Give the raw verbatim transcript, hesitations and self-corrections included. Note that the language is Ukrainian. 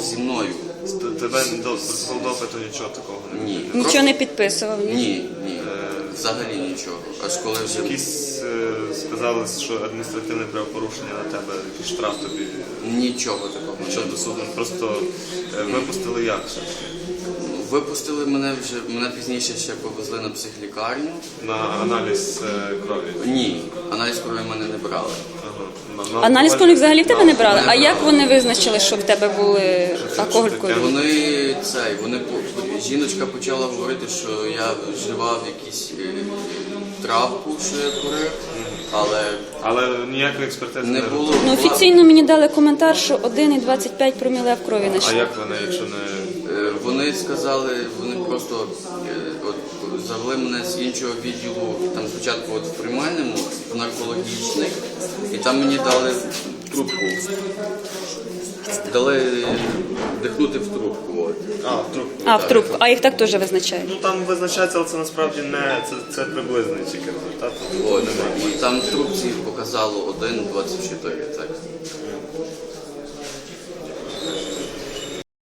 зі мною. Тебе до протокол допиту нічого такого не було? Ні. Нічого не підписував? Ні? Ні, ні. Взагалі нічого. Аж коли вже... Якісь е, сказали, що адміністративне правопорушення на тебе, якийсь штраф тобі, Нічого такого. що до суду, просто е, випустили як? Випустили мене вже, мене пізніше ще повезли на психлікарню. На аналіз е, крові? Ні, аналіз крові мене не брали. Ага. На- на Аналіз алкоголь- крові взагалі в тебе не брали? Не А як брали. вони визначили, що в тебе були алкоголь в таке? крові? Вони цей, вони по- жіночка почала говорити, що я вживав якісь е, травку, що я курив, але Але ніякої експертизи не не було. робили? Ну, офіційно мені дали коментар, що один і двадцять п'ять проміле в крові А знайшли. як вони, якщо не... Е, Вони сказали, вони просто е, от, завели мене з іншого відділу, там спочатку от в приймальному, в наркологічний, і там мені дали трубку. Дали дихнути в трубку. От. А, в трубку. А, в трубку. А їх так теж визначають. Ну там визначається, але це насправді не... Це, це приблизний тільки результат. От. І там в трубці показало один двадцять чотири. Так.